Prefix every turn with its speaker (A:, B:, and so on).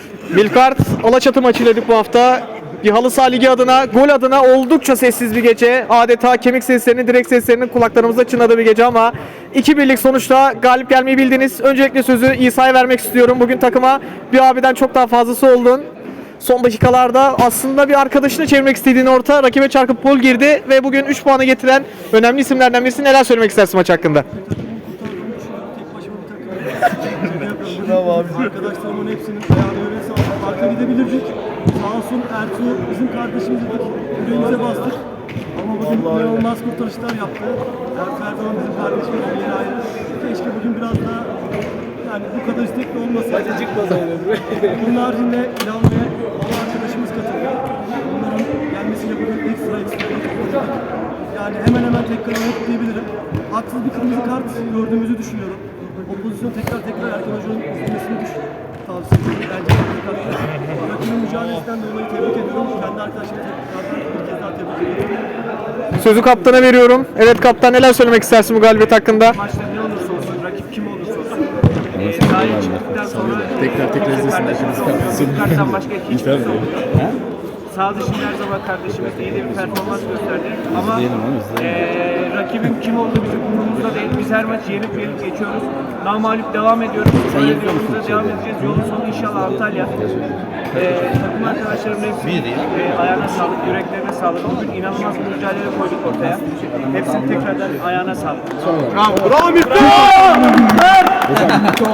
A: Milkart Alaçatı maçıylaydık bu hafta. Bir halı saha ligi adına, gol adına oldukça sessiz bir gece. Adeta kemik seslerinin, direkt seslerinin kulaklarımızda çınladığı bir gece ama 2-1'lik sonuçta galip gelmeyi bildiniz. Öncelikle sözü İsa'ya vermek istiyorum. Bugün takıma bir abiden çok daha fazlası oldun. Son dakikalarda aslında bir arkadaşını çevirmek istediğin orta rakibe çarpıp gol girdi ve bugün 3 puanı getiren önemli isimlerden birisi. Neler söylemek istersin maç hakkında?
B: Bravo abi. Arkadaşlarımın hepsinin ayağına öyle sağlık. Arka gidebilirdik. Sağ olsun Ertuğ bizim kardeşimiz dedik. Yüreğimize bastık. Ama bugün inanılmaz kurtarışlar yaptı. Ertuğ Erdoğan bizim kardeşimiz bir yere ayrı. Keşke bugün biraz daha yani bu kadar istekli olmasaydı. Bunun haricinde İlhan ve Baba arkadaşımız katıldı. Onların gelmesiyle bugün ekstra oynadık. Yani hemen hemen tekrar oynadık diyebilirim. Haksız bir kırmızı kart gördüğümüzü düşünüyorum. O pozisyonu tekrar Erkan Hoca'nın izlemesini tavsiye ediyorum. Bence rakibin mücadelesinden dolayı tebrik ediyorum. Kendi arkadaşlarımı bir kez daha tebrik ediyorum.
A: Sözü kaptana veriyorum. Evet kaptan, neler söylemek istersin bu galibiyet hakkında?
C: Maçta ne olursa olsun, rakip kim olursa olsun. Sahaya çıktıktan sonra
D: tekrar izlesin.
C: Karttan başka hiçbir şey olmuyor. Sağ dışında her zaman kardeşimiz iyi de bir performans gösterdi. Ama rakibin kim olduğu bizim umurumuzda değil. Biz her maç yenip geçiyoruz. Namağlup devam ediyoruz. Böyle yolumuza devam edeceğiz. Yolun sonu inşallah Antalya. Takım arkadaşlarımın hepsi ayağına sağlık, yüreklerine sağlık. Bugün inanılmaz bir mücadele koyduk ortaya. Hepsinin tekrardan ayağına sağlık.
A: Bravo. Bravo.